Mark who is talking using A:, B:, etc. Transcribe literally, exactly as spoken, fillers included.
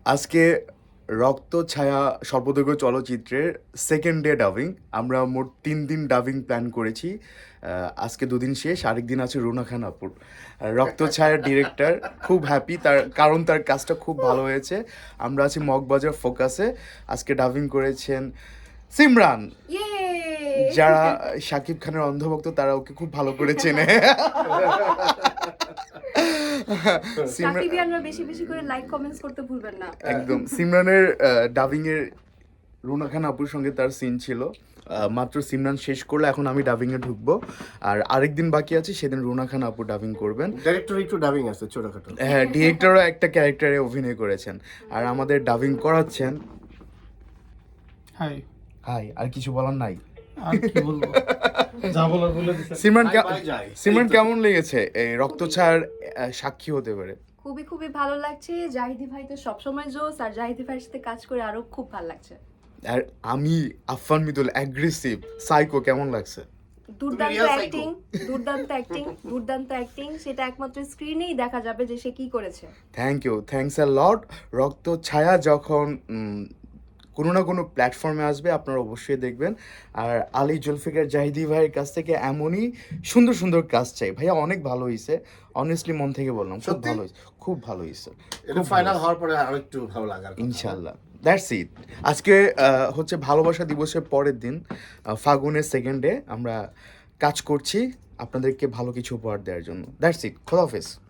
A: আজকে রক্ত ছায়া স্বল্পদৈর্ঘ্য চলচ্চিত্রের সেকেন্ড ডে ডাবিং। আমরা মোট তিন দিন ডাবিং প্ল্যান করেছি। আহ, আজকে দুদিন শেষ, আরেক দিন আছে রুনা খান আপুর। আর রক্ত ছায়ার ডিরেক্টর খুব হ্যাপি, তার কারণ তার কাজটা খুব ভালো হয়েছে। আমরা আছি মগবাজার ফোকাসে। আজকে ডাবিং করেছেন সিমরান। যারা শাকিব খানের অন্ধভক্ত তারা ওকে খুব ভালো করে চেনে। সিমরান
B: সাকিবিয়ানরা বেশি বেশি করে লাইক কমেন্টস করতে ভুলবেন না।
A: একদম সিমরানের ডাবিং এর রুনা খান আপুর সঙ্গে তার সিন ছিল। আহ, মাত্র সিমরান শেষ করলে এখন আমি ডাবিং এ ঢুকবো। আর আরেকদিন বাকি আছে, সেদিন রুনা খান আপু ডাবিং করবেন।
C: ডাইরেক্টর একটু ডাবিং আছে ছোটখাটো।
A: হ্যাঁ, ডিরেক্টরও একটা ক্যারেক্টারে অভিনয় করেছেন। আর আমাদের ডাবিং করাচ্ছেন
D: হাই
A: হাই। আর কিছু বলার নাই।
D: আর কি বলবো, যা বলার বলে দিছে।
A: সিমরান কে-
C: Bye bye যাই।
A: সিমরান কেমন লেগেছে এই রক্তছায়ার আহ, সাক্ষী হতে পারে?
B: খুবই খুবই ভালো লাগছে। জাহিদি ভাই তো সবসময় জোস, আর জাহিদি ভাইয়ের সাথে কাজ করে আরো খুব ভালো লাগছে।
A: আর আমি আফফান মিদুল অ্যাগ্রেসিভ সাইকো কেমন লাগছে?
B: দুর্দান্ত
C: real psycho।
B: অ্যাক্টিং, দুর্দান্ত অ্যাক্টিং, দুর্দান্ত অ্যাক্টিং। সেটা একমাত্র স্ক্রিনেই দেখা যাবে যে সে কি করেছে।
A: Thank you, thanks a lot. রক্ত ছায়া যখন উম, কোনো না কোনো প্ল্যাটফর্মে আসবে আপনারা অবশ্যই দেখবেন। আর আলী জুলফিকার জাহিদি ভাইয়ের কাছ থেকে এমনই সুন্দর সুন্দর কাজ চাই। ভাইয়া অনেক ভালো হয়েছে, অনেস্টলি মন থেকে বললাম, খুব
C: সত্যি?
A: ভালো হয়েছে, খুব ভালো হয়েছে,
C: এটা ফাইনাল হওয়ার পরে আরো একটু ভালো লাগার কথা।
A: ইনশাল্লাহ। That's it. আজকে আহ, হচ্ছে ভালোবাসা দিবসের পরের দিন, আহ, ফাগুনের সেকেন্ড ডে। আমরা কাজ করছি আপনাদেরকে ভালো কিছু উপহার দেওয়ার জন্য। That's it. খোদাহাফেজ।